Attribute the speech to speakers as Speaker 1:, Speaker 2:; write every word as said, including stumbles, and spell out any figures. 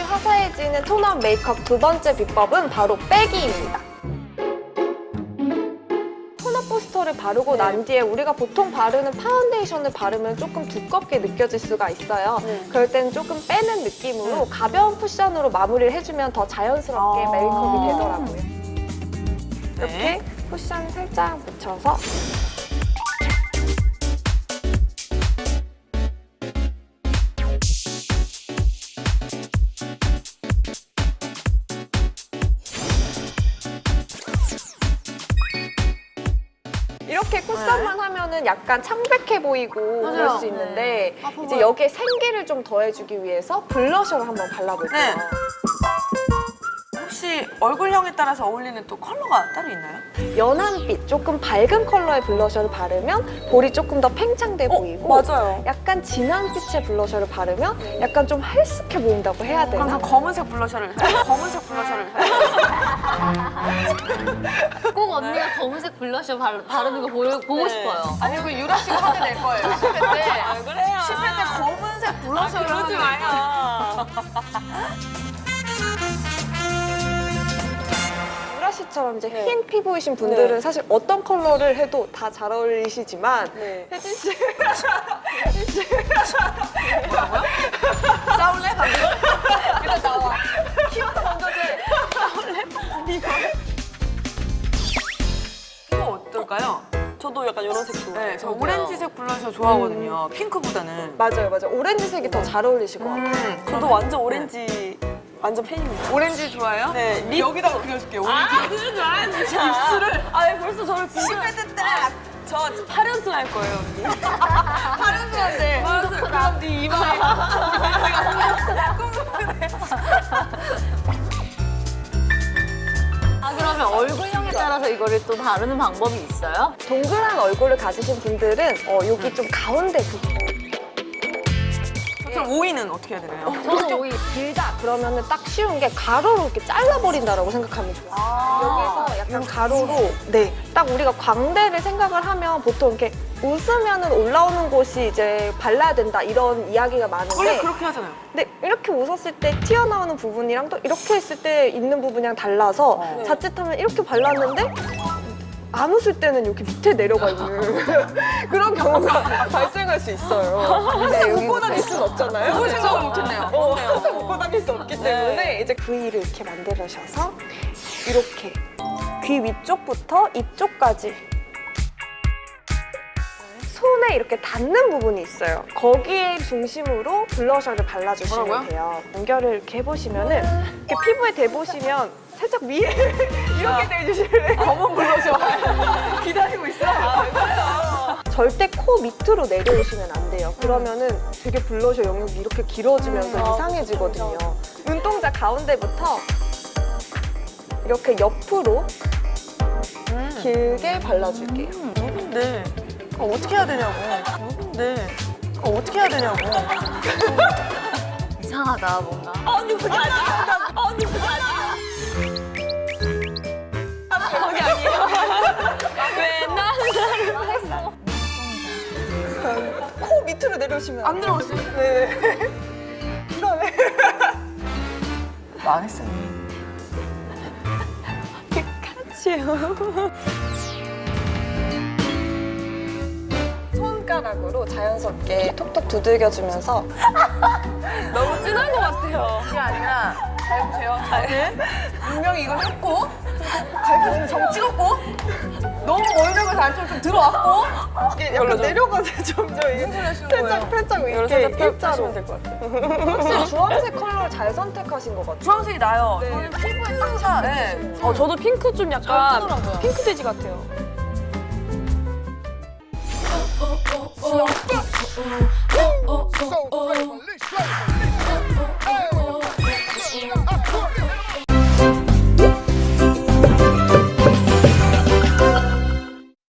Speaker 1: 화사해지는 톤업 메이크업 두 번째 비법은 바로 빼기입니다. 톤업 부스터를 바르고
Speaker 2: 네.
Speaker 1: 난 뒤에 우리가 보통 바르는 파운데이션을 바르면 조금 두껍게 느껴질 수가 있어요.
Speaker 2: 네.
Speaker 1: 그럴 때는 조금 빼는 느낌으로
Speaker 2: 네.
Speaker 1: 가벼운 쿠션으로 마무리를 해주면 더 자연스럽게
Speaker 2: 아
Speaker 1: 메이크업이 되더라고요. 이렇게
Speaker 2: 네.
Speaker 1: 쿠션 살짝 묻혀서 이렇게 쿠션만 하면은 약간 창백해 보이고
Speaker 2: 맞아요.
Speaker 1: 그럴 수 있는데
Speaker 2: 아, 봐봐요.
Speaker 1: 이제 여기에 생기를 좀 더해주기 위해서 블러셔를 한번 발라볼게요.
Speaker 2: 네. 혹시 얼굴형에 따라서 어울리는 또 컬러가 따로 있나요?
Speaker 1: 연한빛, 조금 밝은 컬러의 블러셔를 바르면 볼이 조금 더 팽창돼 보이고
Speaker 2: 맞아요.
Speaker 1: 약간 진한 빛의 블러셔를 바르면 약간 좀 헬스케 보인다고 해야 되나?
Speaker 2: 항상 검은색 블러셔를 검은색 블러셔를
Speaker 3: 꼭 언니가 검은색 블러셔 바, 바르는 거 보여, 보고
Speaker 2: 네.
Speaker 3: 싶어요.
Speaker 2: 아니 그 유라 씨가 하게 될 거예요. 십 회 때. 아, 그래요. 십 회 때 검은색 블러셔를
Speaker 3: 아, 그러지
Speaker 2: 마요.
Speaker 1: 유라 씨처럼 이제
Speaker 2: 네.
Speaker 1: 흰 피부이신 분들은
Speaker 2: 네.
Speaker 1: 사실 어떤 컬러를 해도 다 잘 어울리시지만
Speaker 2: 네.
Speaker 1: 혜진 씨
Speaker 2: 싸울래? 방금? 일단 나와. 키부터 먼저 돼. 싸울래? 이거. 이거 어떨까요? 저도 약간 이런 색 좋아해요. 네, 저
Speaker 1: 저도요.
Speaker 2: 오렌지색 블러셔 좋아하거든요. 핑크보다는.
Speaker 1: 맞아요, 맞아요. 오렌지색이 더 잘 어울리실 것 같아요.
Speaker 2: 음, 저도 완전 오렌지 완전 팬입니다. 오렌지 좋아해요? 네. 립... 여기다가 그려줄게요. 오렌지. 아, 그러지 마, 진짜. 입술을. 아, 벌써 저를 진짜. 십 회 때 딱. 저 팔 연승 할 거예요, 언니. 팔 연승 한대. 그럼 네 이마에.
Speaker 3: 아, 그러면 얼굴형에 따라서 이거를 또 바르는 방법이 있어요?
Speaker 1: 동그란 얼굴을 가지신 분들은 어, 여기 좀 가운데 부분.
Speaker 2: 그럼 오이는 어떻게 해야 되나요?
Speaker 3: 저는 오히려
Speaker 1: 길다 그러면은 딱 쉬운 게 가로로 이렇게 잘라버린다라고 생각하면 좋아요.
Speaker 2: 아,
Speaker 1: 여기서 약간 가로로 네, 딱 우리가 광대를 생각을 하면 보통 이렇게 웃으면은 올라오는 곳이 이제 발라야 된다 이런 이야기가
Speaker 2: 원래
Speaker 1: 많은데
Speaker 2: 그렇게 하잖아요.
Speaker 1: 근데 이렇게 웃었을 때 튀어나오는 부분이랑 또 이렇게 했을 때 있는 부분이랑 달라서
Speaker 2: 어.
Speaker 1: 자칫하면 이렇게 발랐는데 안 웃을 때는 여기 밑에 내려가 있는 그런 경우가 발생할 수 있어요. 항상 웃고 다닐 순 없잖아요.
Speaker 2: 그걸 생각을 못했네요.
Speaker 1: 어,
Speaker 2: 그렇네요.
Speaker 1: 항상 웃고 다닐 수 없기 때문에 이제 V를 이렇게 만들으셔서 이렇게 귀 위쪽부터 입 쪽까지 손에 이렇게 닿는 부분이 있어요. 거기에 중심으로 블러셔를 발라주시면
Speaker 2: 뭐라고요?
Speaker 1: 돼요. 연결을 이렇게 해보시면은 이렇게 피부에 대보시면 살짝 위에 이렇게 대주실래요?
Speaker 2: 검은 블러셔. 기다리고 있어. 아,
Speaker 1: 절대 코 밑으로 내려오시면 안 돼요. 그러면은 되게 블러셔 영역이 이렇게 길어지면서
Speaker 2: 음,
Speaker 1: 이상해지거든요. 눈동자 가운데부터 이렇게 옆으로
Speaker 2: 음.
Speaker 1: 길게 발라줄게요.
Speaker 2: 근데 어, 어떻게 해야 되냐고. 근데 어, 어떻게 해야 되냐고.
Speaker 3: 이상하다, 뭔가.
Speaker 2: 언니 그게 아니야. 언니 그게 아니야. 거기 아니에요. 왜 나는
Speaker 1: 코 밑으로 내려오시면
Speaker 2: 안 들어오세요?
Speaker 1: 네. 그다음에
Speaker 2: 망했어요.
Speaker 1: 피카츄. 손가락으로 자연스럽게 톡톡 두들겨주면서
Speaker 2: 너무 진한 것 같아요. 그게 아니라 잘 보세요. 잘. 분명히 이걸 했고 갈비뼈는 정 찍었고 너무 멀다고 안쪽으로 좀 들어왔고
Speaker 1: 이게 약간 내려가서 점점 이게 살짝 살짝
Speaker 2: 이걸
Speaker 1: 이렇게
Speaker 2: 살짝
Speaker 1: 일자로
Speaker 2: 펴시면 될 것 같아요.
Speaker 1: 확실히 주황색 컬러를 잘 선택하신 것 같아요.
Speaker 2: 주황색이 나요.
Speaker 1: 네.
Speaker 2: 저는 피부에 딱 차. 네.
Speaker 4: 어, 저도 핑크 좀 약간
Speaker 2: 뜨더라고요.
Speaker 4: 핑크 돼지 같아요.
Speaker 5: oh, oh, oh, oh, oh, oh, oh, oh, oh.